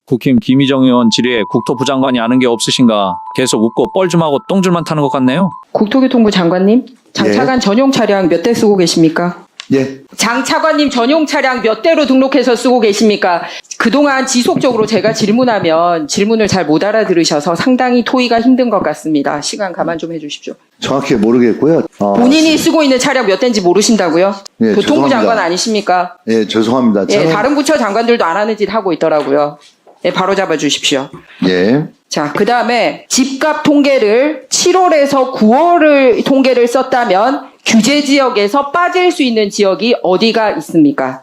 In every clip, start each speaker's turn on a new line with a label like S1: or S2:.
S1: 국힘 김희정 의원 질의에 국토부 장관이 아는 게 없으신가 계속 웃고 뻘쭘하고 똥줄만 타는 것 같네요.
S2: 국토교통부 장관님, 장차관 전용 차량 몇 대 쓰고 계십니까?
S3: 예.
S2: 장 차관님 전용 차량 몇 대로 등록해서 쓰고 계십니까? 그동안 지속적으로 제가 질문하면 질문을 잘 못 알아들으셔서 상당히 토의가 힘든 것 같습니다. 시간 가만 좀 해주십시오.
S3: 정확히 모르겠고요.
S2: 본인이 쓰고 있는 차량 몇 대인지 모르신다고요?
S3: 예,
S2: 교통부
S3: 죄송합니다.
S2: 장관 아니십니까?
S3: 예, 죄송합니다.
S2: 예, 다른 부처 장관들도 안 하는 짓 하고 있더라고요. 예, 바로 잡아 주십시오.
S3: 예.
S2: 자, 그 다음에 집값 통계를 7월에서 9월을 통계를 썼다면 규제 지역에서 빠질 수 있는 지역이 어디가 있습니까?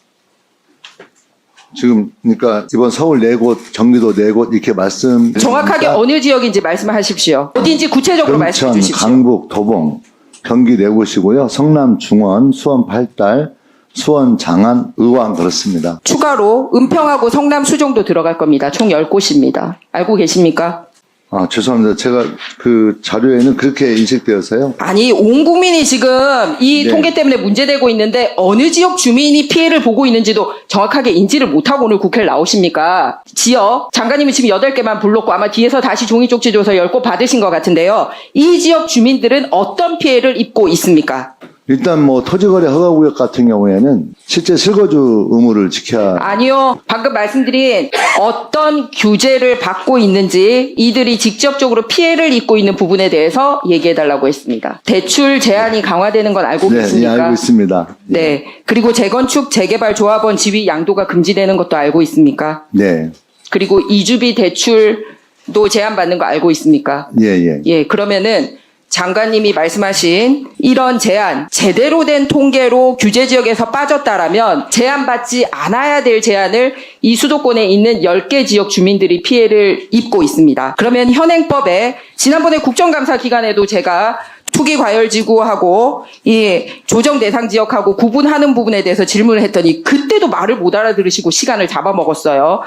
S3: 지금 그러니까 이번 서울 4곳, 경기도 4곳 이렇게 말씀
S2: 정확하게 어느 지역인지 말씀하십시오. 어딘지 구체적으로 말씀해
S3: 금천,
S2: 주십시오.
S3: 강북, 도봉, 경기 4곳이고요. 성남, 중원, 수원, 팔달, 수원, 장안, 의왕 그렇습니다.
S2: 추가로 은평하고 성남, 수정도 들어갈 겁니다. 총 10곳입니다. 알고 계십니까?
S3: 아, 죄송합니다. 제가 그 자료에는 그렇게 인식되어서요.
S2: 아니, 온 국민이 지금 이
S3: 네.
S2: 통계 때문에 문제되고 있는데 어느 지역 주민이 피해를 보고 있는지도 정확하게 인지를 못하고 오늘 국회를 나오십니까? 지역, 장관님이 지금 8개만 불렀고 아마 뒤에서 다시 종이 쪽지 줘서 10곳 받으신 것 같은데요. 이 지역 주민들은 어떤 피해를 입고 있습니까?
S3: 일단 뭐 토지거래 허가구역 같은 경우에는 실제 실거주 의무를 지켜야
S2: 아니요. 방금 말씀드린 어떤 규제를 받고 있는지 이들이 직접적으로 피해를 입고 있는 부분에 대해서 얘기해달라고 했습니다. 대출 제한이 강화되는 건 알고
S3: 네, 예,
S2: 계십니까?
S3: 알고 있습니다.
S2: 네. 그리고 재건축, 재개발 조합원 지위 양도가 금지되는 것도 알고 있습니까?
S3: 네.
S2: 그리고 이주비 대출도 제한받는 거 알고 있습니까?
S3: 예, 예.
S2: 예, 그러면은 장관님이 말씀하신 이런 제한, 제대로 된 통계로 규제 지역에서 빠졌다라면 제한받지 않아야 될 제한을 이 수도권에 있는 10개 지역 주민들이 피해를 입고 있습니다. 그러면 현행법에 지난번에 국정감사 기간에도 제가 투기 과열지구하고 이 조정 대상 지역하고 구분하는 부분에 대해서 질문을 했더니 그때도 말을 못 알아들으시고 시간을 잡아먹었어요.